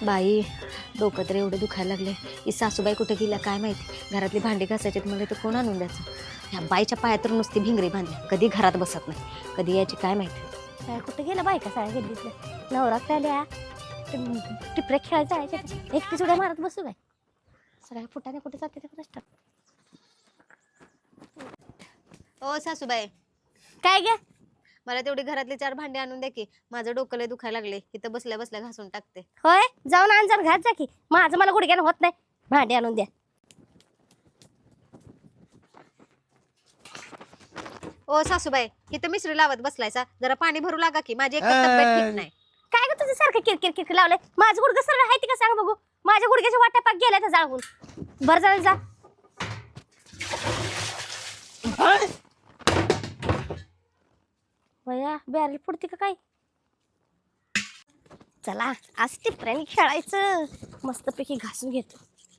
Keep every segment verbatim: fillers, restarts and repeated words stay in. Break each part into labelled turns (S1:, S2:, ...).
S1: बाई डोकं तर एवढं दुखायला लागले. ही सासूबाई कुठे गेल्या काय माहिती. घरातली भांडी घासायची मला तर कोण आणून द्यायचं. ह्या बाईच्या पायात तर नुसती भिंगरी बांधली, कधी घरात बसत नाही, कधी यायची काय माहिती.
S2: काय कुठे गेलं बायका साड्या गेलीतल्या नवरात आल्या टिपऱ्या खेळायला जायच्या एकटी सुद्धा मारत बसू काय सगळ्या फुटाने कुठे जाते ते प्रश्न.
S1: ओ सासूबाई
S2: काय गे
S1: मला तेवढी घरातली चार भांडी आणून द्या की, माझं डोकं लय दुखायला लागले, इथं बसल्या बसल्या घासून टाकते.
S2: होय जाऊन आण जर घात जा की, माझं मला गुडघ्यानं होत नाही, भांडी आणून द्या.
S1: ओ सासूबाई इथं मिसरी लावत बसलायचा, जरा पाणी भरू लागा की, माझी एक तब्येत ठीक नाही.
S2: काय ग तुझं सारखं किरकिर किरकिर लावलंय. माझं गुडघं सरळ आहे ती का सांग बघू. माझ्या गुडघ्याच्या वाट्या पाक गेल्या त्या जाळून. बरं झालं जा. वया बॅरल फुटते का काय. चला आज टिपऱ्याने खेळायचं, मस्तपैकी घासून घेतो.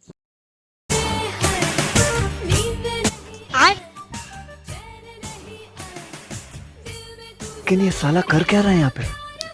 S3: लेकिन ये साला कर क्या रहा है यहाँ पे?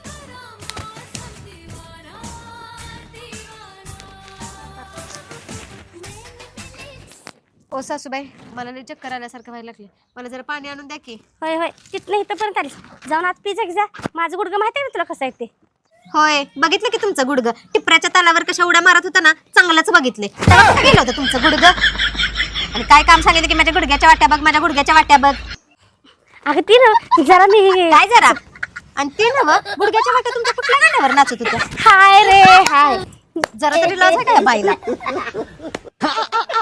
S1: ओ सासूबाई मला लय चक्कर आल्यासारखं व्हायला लागले, मला जरा पाणी आणून द्या की.
S2: होय होय तिथनं इथं पर्यंत आलीस, जाऊन आज पिझ्झा जा. माझं गुडघं माहिती आहे ना तुला कसं आहे ते.
S1: होय बघितलं की तुमचं गुडघं टिपऱ्याच्या तालावर कशा उड्या मारत होता ना, चांगलंच बघितले. तेव्हा कुठं गेलं होतं तुमचं गुडघं? आणि काय काम सांगितलं की माझ्या गुडघ्याच्या वाट्या बघ, माझ्या गुडघ्याच्या वाट्या बघ.
S2: अगं ती ना जरा मी
S1: काय जरा आणि ते नव गुडघ्याच्या वाट्या तुमच्या कुठल्या गाण्यावर नाचत होत्या?
S2: हाय रे हाय.
S1: जरा तरी लाज आहे का या बाईला?